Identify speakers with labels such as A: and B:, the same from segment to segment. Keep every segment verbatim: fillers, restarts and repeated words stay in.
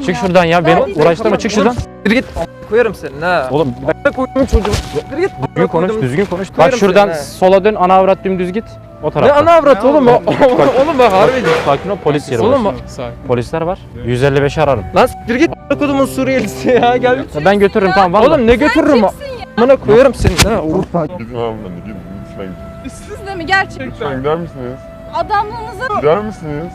A: ya.
B: Çık şuradan ya. Beni
A: Verdiğin
B: uğraştırma.
A: telefonu-
B: Çık şuradan.
C: Yürü git. Koyarım seni ha.
B: Oğlum bir dakika.
C: Koydum çocuğum. Yürü git.
B: Düzgün konuş. Düzgün konuş. Bak
C: Koyarım
B: şuradan
C: seni, he.
B: sola dön. Ana avrat dümdüz git. O
C: Ne
B: tarafta.
C: ana avrat oğlum o? Oğlum bak harbi.
B: Sakin ol. Polis yeri
C: Oğlum
B: burası. Polisler var. yüz elli beşi ararım.
C: Lan yürü git. Kodumun Suriyelisi ya gel.
B: Ya ben götürürüm tamam vallahi.
C: Oğlum ne götürürüm? Bana koyarım seni ha. Oğlum.
D: Gidin hanımefendi gidin lütfen gidin.
A: Siz de mi gerçekten?
D: Lütfen gider misiniz?
A: Adamlığınıza
D: Gider misiniz?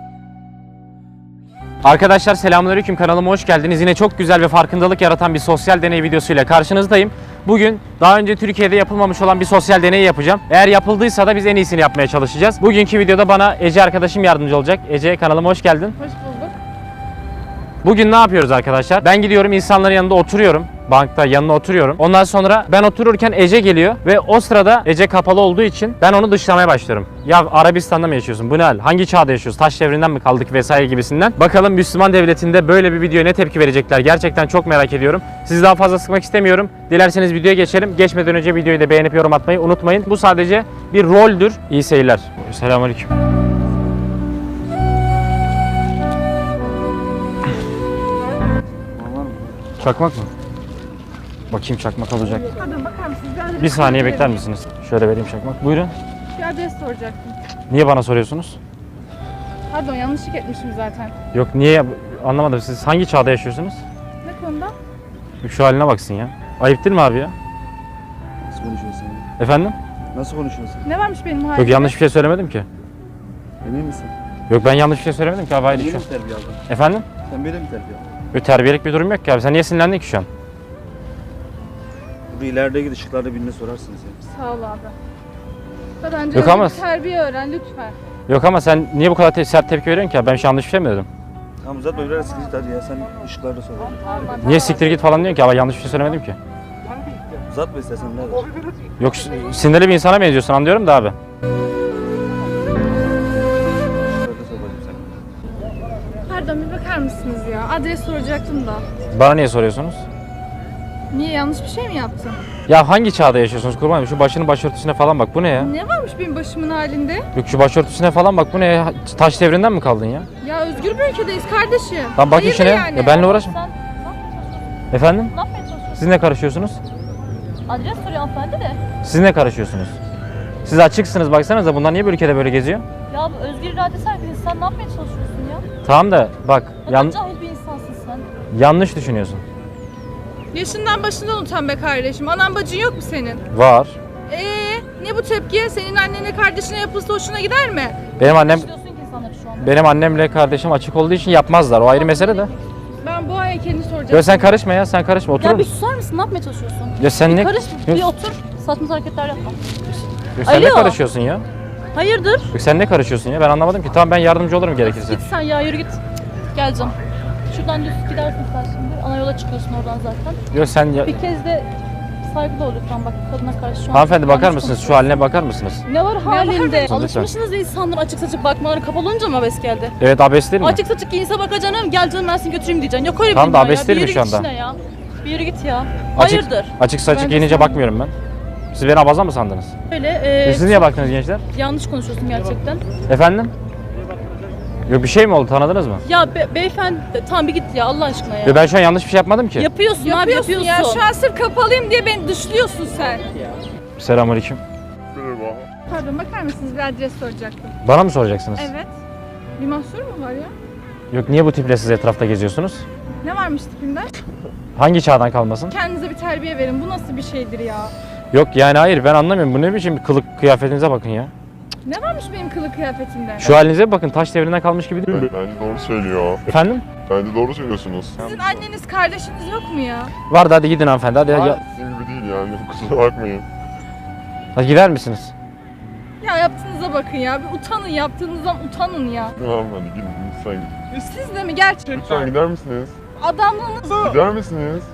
B: Arkadaşlar selamünaleyküm, kanalıma hoş geldiniz. Yine çok güzel ve farkındalık yaratan bir sosyal deney videosuyla karşınızdayım. Bugün daha önce Türkiye'de yapılmamış olan bir sosyal deney yapacağım. Eğer yapıldıysa da biz en iyisini yapmaya çalışacağız. Bugünkü videoda bana Ece arkadaşım yardımcı olacak. Ece, kanalıma hoş geldin.
A: hoş bulduk.
B: Bugün ne yapıyoruz arkadaşlar? Ben gidiyorum insanların yanında oturuyorum. Bankta yanına oturuyorum. Ondan sonra ben otururken Ece geliyor ve o sırada Ece kapalı olduğu için ben onu dışlamaya başlıyorum. Ya Arabistan'da mı yaşıyorsun? Bu ne hal? Hangi çağda yaşıyoruz? Taş devrinden mi kaldık vesaire gibisinden. Bakalım Müslüman devletinde böyle bir videoya ne tepki verecekler? Gerçekten çok merak ediyorum. Sizi daha fazla sıkmak istemiyorum. Dilerseniz videoya geçelim. Geçmeden önce videoyu da beğenip yorum atmayı unutmayın. Bu sadece bir roldür. İyi seyirler. Selamünaleyküm. Çakmak mı? Bakayım çakmak olacak.
A: Pardon bakar mısınız? Bir adres
B: Bir saniye
A: soracaktım.
B: bekler misiniz? Şöyle vereyim çakmak. Buyurun.
A: Bir adres soracaktım.
B: Niye bana soruyorsunuz?
A: Pardon yanlışlık etmişim zaten.
B: Yok niye anlamadım. Siz hangi çağda yaşıyorsunuz?
A: Ne konuda?
B: Şu haline baksın ya. Ayıp değil mi abi ya?
E: Nasıl konuşuyorsun?
B: Efendim?
E: Nasıl konuşuyorsun?
A: Ne varmış benim halimde?
B: Yok yanlış bir şey söylemedim ki.
E: Emin misin?
B: Yok ben yanlış bir şey söylemedim ki abi. Hayır
E: Böyle
B: şu
E: mi
B: an.
E: terbiye aldın?
B: Efendim?
E: Sen böyle mi terbiye aldın?
B: Yok terbiyelik bir durum yok ki abi. Sen niye sinirlendin ki şu an?
E: Burada ileride git ışıklarda birine sorarsınız ya.
A: Sağ ol abi. Zaten
B: Yok ama-
A: terbiye öğren lütfen.
B: Yok ama sen niye bu kadar te- sert tepki veriyorsun ki abi? Ben şu an yanlış bir şey mi dedim?
E: Tamam uzatma biraz siktir hadi ya sen ışıklarda sor.
B: Niye siktir git falan diyorsun ki abi? Yanlış bir şey söylemedim ki.
E: Uzatma istersen ne der?
B: Yok s- sinirli bir insana benziyorsun anlıyorum da abi.
E: Işıklarda sor bakayım sen.
A: Pardon bir bakar mısınız ya? Adres soracaktım da.
B: Bana niye soruyorsunuz?
A: Niye yanlış bir şey mi yaptım?
B: Ya hangi çağda yaşıyorsunuz kurban olayım? Şu başının başörtüsüne falan bak. Bu ne ya?
A: Ne varmış benim başımın halinde?
B: Yok şu başörtüsüne falan bak. Bu ne ya? Taş devrinden mi kaldın ya?
A: Ya özgür bir ülkedeyiz kardeşim.
B: Lan bak
A: Hayırdır
B: işine.
A: yani?
B: Ya benimle uğraşma.
F: Sen ne yapmaya çalışıyorsun?
B: Efendim?
F: Ne yapmaya çalışıyorsun?
B: Siz ne karışıyorsunuz?
F: Adres soruyor hanımefendi de.
B: Siz ne karışıyorsunuz? Siz açıksınız baksanıza. Bunlar niye bu ülkede böyle geziyor?
F: Ya bu özgür iradesi herkesin. Sen ne yapmaya çalışıyorsun ya?
B: Tamam da bak
F: Ne
B: yan-
F: kadar cahil bir insansın sen.
B: yanlış düşünüyorsun.
A: Yaşından başından utan be kardeşim. Anan bacın yok mu senin?
B: Var.
A: Ee, ne bu tepki? Senin annene kardeşine yapılsa hoşuna gider mi?
B: Benim annem
F: İşliyorsun ki insanları şu anda.
B: benim annemle kardeşim açık olduğu için yapmazlar. O ayrı mesele de.
A: Ben bu heykelini soracağım.
B: Ya sen karışma ya. Sen karışma. Oturur
F: Ya bir
B: musun?
F: susar mısın? Ne yapmaya çalışıyorsun?
B: Ya sen
F: Bir
B: ne?
F: karış,
B: Yok,
F: bir otur. Saçma hareketler yapma.
B: yok, sen ne
F: Alo.
B: karışıyorsun ya?
F: Hayırdır?
B: Yok, sen ne karışıyorsun ya? Ben anlamadım ki. Tamam ben yardımcı olurum gerekirse.
F: Git sen ya yürü git. Geleceğim. Şuradan düz gidersin sen şimdi. Ana yola çıkıyorsun oradan zaten.
B: Yok sen ya...
F: Bir kez de saygılı ol lütfen bak kadına karşı şu an.
B: Hanımefendi bakar
F: yanlış
B: mısınız? Şu
F: konuşuyorsun.
B: haline bakar mısınız?
F: Ne var halinde?
B: Lütfen.
F: Alışmışsınız insanların açık saçık bakmaları kapalı olunca mı abes geldi?
B: Evet abes değil mi?
F: Açık saçık giyinse bak canım gel canım ben seni götüreyim diyeceksin. Yok öyle bir
B: Tamam da
F: dünya
B: abes
F: ya.
B: değil
F: Bir
B: mi
F: yürü
B: şu
F: git
B: anda?
F: işine ya. Bir yürü git ya.
B: Açık,
F: Hayırdır?
B: açık saçık
F: Ben de
B: giyince
F: sana-
B: bakmıyorum ben. Siz beni abaza mı sandınız?
F: Öyle
B: E,
F: e,
B: Siz niye baktınız gençler?
F: yanlış konuşuyorsun gerçekten.
B: Efendim? Yok bir şey mi oldu tanıdınız mı?
F: Ya be, beyefendi tamam bir git ya Allah aşkına ya.
B: Yo, ben şu an yanlış bir şey yapmadım ki.
F: Yapıyorsun, abi
A: Yapıyorsun
F: yapıyorsun.
A: ya. Şu an sırf kapalıyım diye beni dışlıyorsun sen.
B: Selamünaleyküm.
D: Merhaba.
A: Pardon bakar mısınız? Bir adres soracaktım.
B: Bana mı soracaksınız?
A: Evet. Bir mahsur mu var ya?
B: Yok niye bu tiple siz etrafta geziyorsunuz?
A: Ne varmış tipimde?
B: Hangi çağdan kalmasın?
A: Kendinize bir terbiye verin. Bu nasıl bir şeydir ya?
B: Yok yani hayır ben anlamıyorum. Bu ne biçim bir kılık kıyafetinize bakın ya.
A: Ne varmış benim kılık kıyafetimde?
B: Şu halinize bakın taş devrinden kalmış gibi değil mi?
D: Bence doğru söylüyor.
B: Efendim?
D: Bence doğru söylüyorsunuz.
A: Sizin anneniz, kardeşiniz yok mu ya?
B: Vardı hadi gidin hanımefendi hadi.
D: Hayır,
B: Ya,
D: sizin gibi değil yani. Kusura bakmayın.
B: hadi gider misiniz?
A: Ya yaptığınıza bakın ya. Bir utanın, yaptığınızdan utanın ya.
D: Tamam hadi gidin lütfen gidin.
A: Siz de mi gerçekten?
D: Lütfen gider misiniz?
A: Adamlığınız...
D: Gider misiniz?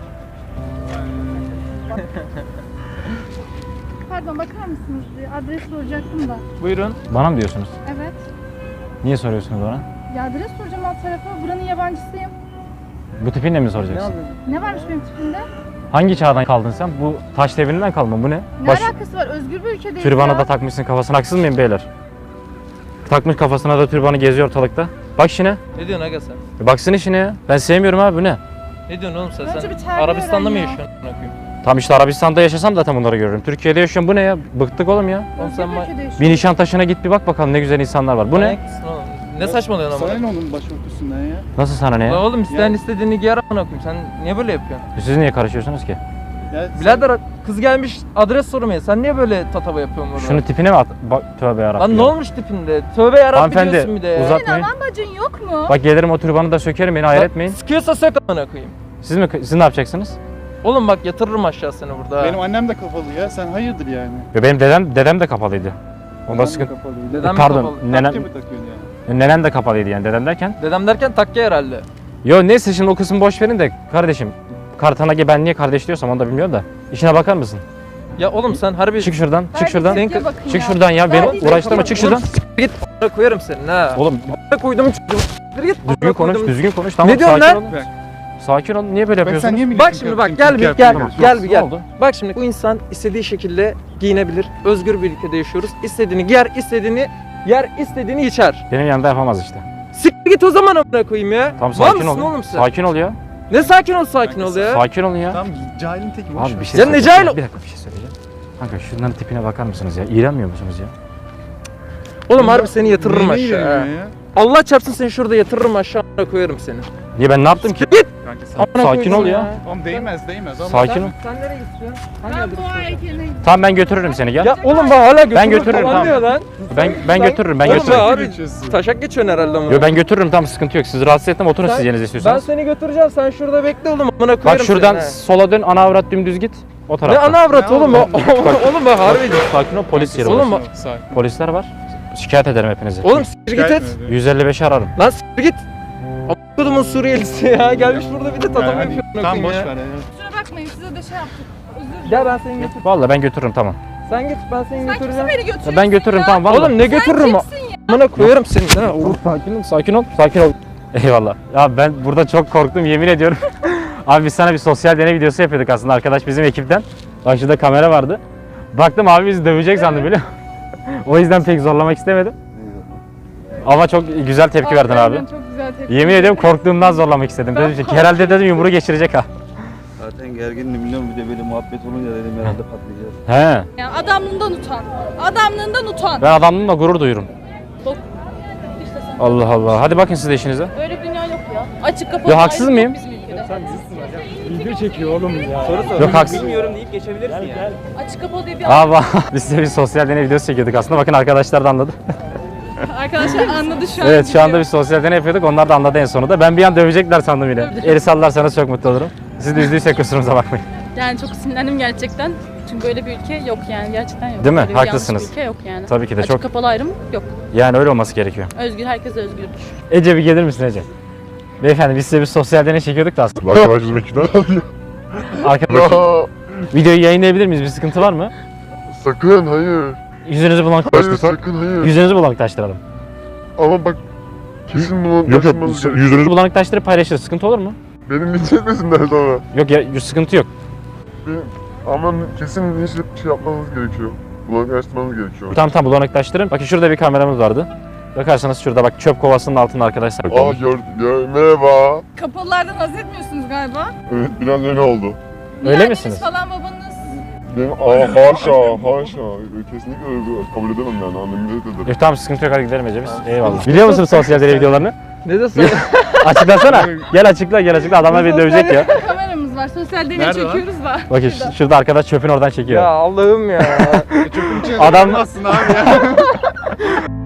A: Pardon bakar mısınız? Bir adres soracaktım da.
B: Buyurun. Bana mı diyorsunuz?
A: Evet.
B: Niye soruyorsunuz bana?
A: Ya adres soracağım alt tarafa. Buranın yabancısıyım.
B: Bu tipinle mi soracaksın?
A: Ne varmış benim tipimde?
B: Hangi çağdan kaldın sen? Bu taş devrinden kalma bu ne?
A: Ne
B: Baş,
A: alakası var? Özgür bir ülkedeyiz
B: türbanı
A: ya.
B: da takmışsın kafasına haksız mıyım beyler? Takmış kafasına da türbanı geziyor ortalıkta. Bak işine.
C: Ne diyorsun aga sen?
B: Bir baksana işine ya. Ben sevmiyorum abi bu ne?
C: Ne diyorsun oğlum sen?
A: Önce
C: sen
A: bir terbiye
C: Arabistan'da mı
A: öğren ya.
C: yaşıyorsun? amına koyayım?
B: Tam işte Arabistan'da yaşasam zaten bunları görürüm. Türkiye'de yaşıyorum bu ne ya? Bıktık oğlum ya.
C: Oğlum sen ma-
B: Bir Nişantaşı'na git bir bak bakalım ne güzel insanlar var. Bu ne?
C: Manyak mısın oğlum? Ne saçmalıyorsun
G: Sana
C: amına?
G: ne onun başörtüsünden ya?
B: Nasıl sana ne
C: Lan
B: ya?
C: oğlum isteyen istediğini giyer amına koyayım. Sen niye böyle yapıyorsun?
B: Siz niye karışıyorsunuz ki?
G: Ya sen-
C: Birader kız gelmiş adres sormaya. Sen niye böyle tatava yapıyorsun burada?
B: Şunu tipine mi at? Bak tövbe yarabbim.
C: Lan ne
B: ya.
C: olmuş tipinde? Tövbe yarabbim
B: Hanımefendi,
C: diyorsun bir de ya.
B: uzat-
A: Senin alan bacın yok mu?
B: Bak gelirim o türbanı da sökerim beni hayal etmeyin.
C: Sıkıyorsa sök amına koyayım.
B: Siz mi siz ne yapacaksınız?
C: Oğlum bak yatırırım aşağı seni burada.
G: Benim annem de kafalı ya. Sen hayırdır yani?
B: Ya benim dedem dedem de kapalıydı. Onda
G: Annem de
B: sıkıntı.
G: kapalıydı.
C: Dedem mi
B: Pardon,
C: kapalı?
B: nenem
G: Takke mi takıyorsun yani?
B: nenem de kapalıydı yani dedem derken.
C: Dedem derken takke herhalde.
B: Yo neyse şimdi o kısmı boş verin de kardeşim. Kartanage ben niye kardeş diyorsam onu da bilmiyorum da. İşine bakar mısın?
C: Ya oğlum sen harbi...
B: Çık şuradan, çık
A: Verdiğiniz
B: şuradan.
A: tepkiye bakın
B: Çık
A: ya.
B: şuradan ya beni
A: Verdiğiniz
B: uğraştırma
A: tepkiye
B: çık şuradan.
C: Git a**ına koyarım senin ha.
B: Oğlum
C: A**ına koydum çocuğum. Git
B: düzgün konuş, düzgün konuş. Tamam
C: Ne diyorsun
B: sakin
C: lan?
B: olun.
G: Bak.
B: Sakin ol. Niye böyle
G: Bak sen
B: yapıyorsun?
G: niye milletin
C: Bak şimdi bak gel bir gel gel bir
B: Ne
C: gel.
B: oldu?
C: Bak şimdi bu insan istediği şekilde giyinebilir. Özgür bir ülkede yaşıyoruz. İstediğini giyer, istediğini yer, istediğini içer.
B: Benim yanında yapamaz işte.
C: Siktir git o zaman amına koyayım ya.
B: Tamam
C: Var
B: sakin
C: mısın
B: ol.
C: oğlum sen?
B: Sakin ol ya.
C: Ne sakin ol sakin ol ya.
B: Sakin olun ya.
G: Tamam cahilin teki boş
B: Abi
G: ver.
B: bir şey
C: Ya ne
B: söyleyeceğim.
C: cahil-
B: Bir dakika bir şey söyleyeceğim. Kanka şunların tipine bakar mısınız ya? İğrenmiyor musunuz ya?
C: Oğlum harbi seni yatırırım
G: Neyine
C: aşağı. ha.
G: ilgileniyor ya?
C: Allah çarpsın seni şurada yatırırım aşağı amına koyarım seni.
B: Niye ben ne yaptım ki?
C: Git.
G: Kanka sen...
C: Amına
B: Sakin
C: koydum
B: ol ya.
G: Oğlum değmez değmez ama...
B: Sakin ol.
C: Sen nereye gidiyorsun? Hangi
A: Ben
C: adrese
A: bu
C: gidiyorsun?
A: heykeline
B: Tamam ben götürürüm seni gel.
C: Ya oğlum bak hala götürürüm
B: götürürüm,
C: falan
B: tamam.
C: diyor lan.
B: Ben ben götürürüm ben
C: Oğlum
B: götürürüm.
C: be abi
G: geçiyorsun.
C: taşak geçiyorsun herhalde ama.
B: Yo ben götürürüm tamam sıkıntı yok. Sizi rahatsız etmem oturun
C: Sen-
B: siz yerinize
C: Ben
B: istiyorsanız.
C: seni götüreceğim sen şurada bekle oğlum amına koyarım
B: Bak şuradan
C: seni, ha.
B: sola dön ana avrat dümdüz git. O
C: Ne
B: tarafta.
C: ana avrat
G: Ne
C: oğlum o.
G: oğlum?
C: Oğlum bak harbi.
B: Sakin ol polis yeri
C: Oğlum
B: burası.
C: bak-
G: Sakin.
B: Polisler var. Şikayet ederim hepinizi.
C: Oğlum siktir git et.
G: Şikayet mi?
B: yüz elli beşi ararım.
C: Lan siktir git. Kodumun Suriyelisi ya gelmiş burada bir de tatava
G: Yani
C: yapıyor. amına
G: Tamam
C: koyayım
G: boş
C: ya.
G: ver ya.
A: Kusura bakmayın size de şey yaptık. Özür dilerim.
C: Gel ben seni götür.
B: Vallahi ben götürürüm tamam.
C: Sen git ben seni
A: Sen kimsin
C: götüreceğim.
A: beni götürüyorsun
B: Ya ben götürürüm
A: ya?
B: tamam vallahi.
C: Oğlum ne götürürüm o. Amına koyarım seni. Ha,
B: Dur, sakin ol, sakin ol, sakin ol. Eyvallah. Ya ben burada çok korktum yemin ediyorum. Abi biz sana bir sosyal deney videosu yapıyorduk aslında arkadaş bizim ekipten. Bak şurada kamera vardı. Baktım abi bizi dövecek sandım biliyor musun? O yüzden pek zorlamak istemedim. Ama çok güzel tepki verdin abi.
A: Aynen, Çok güzel tepki.
B: Yemin ediyorum korktuğumdan zorlamak istedim.
A: Ben
B: Dedim ki herhalde dedim yumruğu geçirecek ha.
E: Zaten gergindim biliyorum bir de böyle muhabbet olunca dedim herhalde patlayacağız.
B: He.
A: Ya adamlığından utan. Adamlığından utan.
B: Ben adamlığımla gurur duyuyorum.
F: Bak. İşte sen.
B: Allah Allah. Hadi bakın siz de işinize.
F: Öyle bir dünya yok ya. Açık kapalı.
B: Ya haksız
F: ayrım
B: mıyım?
F: yok bizim ülkede.
B: Yok haksız.
F: Açık kapalı diye bir
B: Aa bak, biz size bir sosyal deney videosu çekiyorduk aslında. Bakın arkadaşlar da anladı.
A: Arkadaşlar anladı şu an.
B: Evet şu anda
A: biliyor.
B: bir sosyal deney yapıyorduk. Onlar da anladı en sonunda. Ben bir an dövecekler sandım yine. Eli sallarsanız çok mutlu olurum. Siz de üzdüysek kusurumuza bakmayın.
F: Yani çok sinirlendim gerçekten. Çünkü böyle bir ülke yok yani gerçekten yok.
B: Değil mi?
F: Böyle bir yanlış
B: Haklısınız.
F: bir ülke yok yani.
B: Tabii ki de
F: Açık
B: çok.
F: kapalı ayrım yok.
B: Yani öyle olması gerekiyor.
F: Özgür, herkes özgürdür.
B: Ece bir gelir misin Ece? Beyefendi biz size bir sosyal deney çekiyorduk da aslında.
D: Arkadaş bizimkiler alıyor.
B: Arkadaşlar
D: Ya
B: videoyu yayınlayabilir miyiz? Bir sıkıntı var mı?
D: sakın hayır.
B: Yüzünüzü
D: Hayır
B: bulanıklaştırsak.
D: sakın hayır.
B: Yüzünüzü bulanıklaştıralım.
D: Ama bak kesin bunu
B: Yok yok
D: taşımanız gerekiyor.
B: yüzünüzü bulanıklaştırıp paylaşırız. Sıkıntı olur mu?
D: Benim linç etmesinler sonra.
B: Yok ya sıkıntı yok.
D: Benim, ama kesin linç bir şey yapmanız gerekiyor. Bulanıklaştırmanız gerekiyor.
B: Tamam tamam bulanıklaştırın. Bakın şurada bir kameramız vardı. Bakarsanız şurada bak çöp kovasının altında arkadaşlar.
D: Aa gör, gör, merhaba.
A: Kapalılardan haz etmiyorsunuz galiba.
D: Evet biraz öyle oldu.
B: Öyle
A: Anneniz
B: misiniz?
A: falan babanız.
D: Benim aa haşa haşa. Kesinlikle öyle kabul edemem yani annemi de ederim.
B: Yok tamam sıkıntı yok hadi gidelim Ece biz. Eyvallah. Biliyor musun sosyal deney videolarını?
C: Ne de söyle.
B: Açıklasana. Gel açıkla gel açıkla adamlar beni dövecek ya.
A: Kameramız var. Sosyal deney
G: Nerede lan?
A: çekiyoruz da.
B: Bakın ş- şurada arkadaş çöpün oradan çekiyor.
C: Ya Allah'ım ya.
G: Çöpün içine
B: Adam-
G: dokunmazsın abi ya.